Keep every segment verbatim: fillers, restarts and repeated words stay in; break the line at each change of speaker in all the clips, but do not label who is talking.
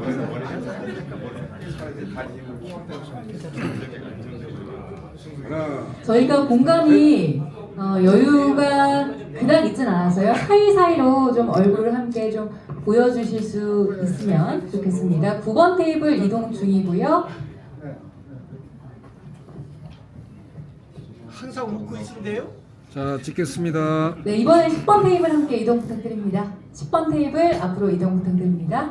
저희가 공간이 어, 여유가 그닥 있진 않아서요. 사이사이로 좀 얼굴을 함께 좀 보여주실 수 있으면 좋겠습니다. 구 번 테이블 이동 중이고요.
항상 웃고 있는데요?
자, 찍겠습니다.
네, 이번에 십 번 테이블 함께 이동 부탁드립니다. 십 번 테이블 앞으로 이동 부탁드립니다.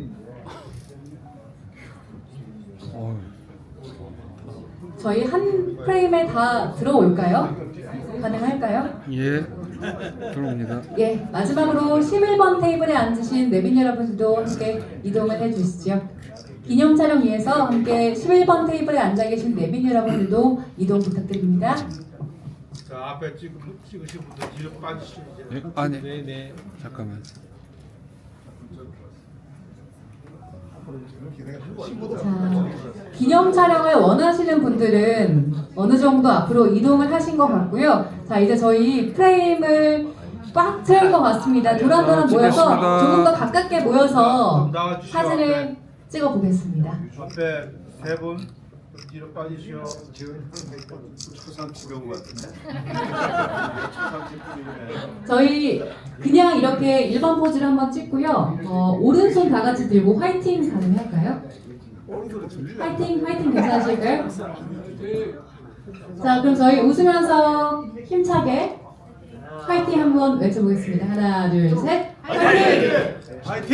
어,
저희 한 프레임에 다 들어올까요? 가능할까요?
예, 들어옵니다.
예, 마지막으로 십일 번 테이블에 앉으신 내빈 여러분들도 함께 이동을 해주시죠. 기념 촬영 위해서 함께 십일 번 테이블에 앉아 계신 내빈 여러분들도 이동 부탁드립니다.
자, 앞에 찍, 찍으신 분들 뒤로 빠지시죠. 이제.
예, 아니,
네, 네.
잠깐만.
자, 기념 촬영을 원하시는 분들은 어느 정도 앞으로 이동을 하신 것 같고요. 자, 이제 저희 프레임을 꽉 채울 것 같습니다. 도란도란
자,
모여서
찍겠습니다.
조금 더 가깝게 모여서
좀 나와주시죠.
사진을
앞에.
찍어 보겠습니다.
앞에 세 분 뒤로 빠지시오. 초상 구경 같은데.
저희 그냥 이렇게 일반 포즈를 한번 찍고요. 어, 오른손 다 같이 들고 화이팅 가능할까요? 화이팅, 화이팅 괜찮으실까요? 자, 그럼 저희 웃으면서 힘차게 화이팅 한번 외쳐보겠습니다. 하나, 둘, 셋. 화이팅!
화이팅!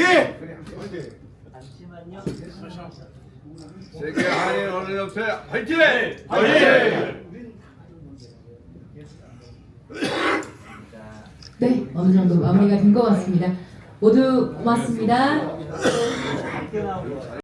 세계 한인 언론협회 화이팅! 화이팅!
네, 어느 정도 마무리가 된 것 같습니다. 모두 고맙습니다.